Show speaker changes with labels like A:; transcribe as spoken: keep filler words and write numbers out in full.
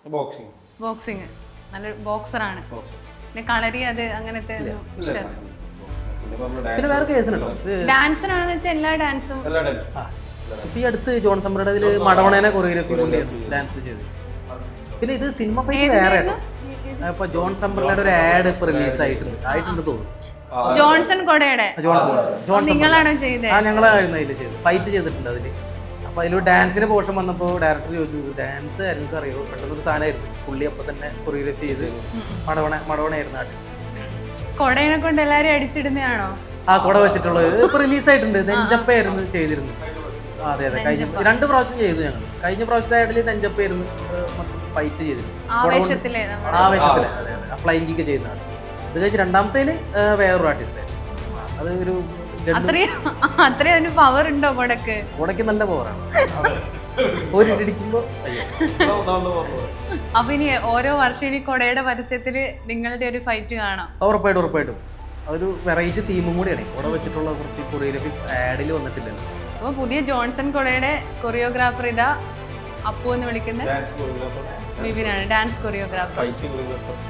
A: Boxing
B: boxing നല്ല ബോക്സറാണ്. പിന്നെ കളരി അത് അങ്ങനത്തെ ഇഷ്ടം.
C: പിന്നെ വേറെ കേസിനുണ്ടോ
B: ഡാൻസിനാണെന്ന് വെച്ചാൽ എല്ലാ ഡാൻസും.
C: ഇപ്പൊ ഈ അടുത്ത് ജോൺ സമ്പ്രയുടെ ഇതില് മഡോണേനെ കൊറിയോഗ്രാഫി ഡാൻസ് ചെയ്ത്. പിന്നെ ഇത് സിനിമ ഫൈറ്റ് വേറെ ആട്ടോ. ഇപ്പൊ ജോൺ സമ്പ്രയുടെ ഒരു ആഡ് ഇപ്പൊ റിലീസ് ആയിട്ടുണ്ട് ആയിട്ടുണ്ട് തോന്നുന്നു.
B: ജോൺസൺ കൊടയുടെ നിങ്ങളാണോ ചെയ്തത്?
C: ആ ഞങ്ങളായിരുന്നു അതിൽ ചെയ്ത് ഫൈറ്റ് ചെയ്തിട്ടുണ്ട് അതില്. അപ്പൊ അതിൽ ഡാൻസിന്റെ പോർഷൻ വന്നപ്പോൾ ഡയറക്ടർ ചോദിച്ചു ഡാൻസ് എനിക്ക് അറിയോ, പെട്ടെന്നൊരു സാധനമായിരുന്നു. പുള്ളി അപ്പൊ തന്നെ കൊറിയോഗ്രാഫി ചെയ്ത് മടവണ മടവണയായിരുന്നു ആർട്ടിസ്റ്റ്.
B: കൊടേനെ കൊണ്ട് എല്ലാരും അടിച്ചിടുന്നതാണോ?
C: ആ കൊട വെച്ചിട്ടുള്ളത് ഇപ്പൊ റിലീസ് ആയിട്ടുണ്ട്. നെഞ്ചപ്പയായിരുന്നു ചെയ്തിരുന്നത്. അതെ അതെ കഴിഞ്ഞ രണ്ട് പ്രാവശ്യം ചെയ്തു ഞങ്ങൾ. കഴിഞ്ഞ പ്രാവശ്യത്തെ ആയിട്ടിൽ നെഞ്ചപ്പയായിരുന്നു മൊത്തം ഫൈറ്റ് ചെയ്തിരുന്നു.
B: ആവേശത്തിലെ
C: ആവേശത്തിലെ അതെ അതെ ഫ്ലൈങ് കിക്ക് ചെയ്യുന്നതാണ്. ഇത് കഴിഞ്ഞ് രണ്ടാമത്തേല് വേറൊരു ആർട്ടിസ്റ്റ് ആയിരുന്നു. അത് ഒരു
B: അത്രയും പവർ ഉണ്ടോ കൊടക്ക്?
C: കൊടക്ക് നല്ല പവറാണ്. ഒരു ഇടിക്കുമ്പോ
B: അപ്പൊ ഇനി ഓരോ വർഷം ഇനി കൊടയുടെ പരസ്യത്തില് നിങ്ങളുടെ ഒരു ഫൈറ്റ് കാണാം.
C: ഉറപ്പായിട്ടും ഉറപ്പായിട്ടും അതൊരു വെറൈറ്റി തീമും കൂടിയാണ്. കൊട വെച്ചിട്ടുള്ള കുറച്ച് കൊറിയോഗ്രാഫി ആഡിൽ വന്നിട്ടില്ലല്ലോ.
B: അപ്പൊ പുതിയ ജോൺസൺ കൊടയുടെ കൊറിയോഗ്രാഫർ ഇതാ അപ്പു എന്ന് വിളിക്കുന്ന വിപിനാണ്, ഡാൻസ് കൊറിയോഗ്രാഫർ.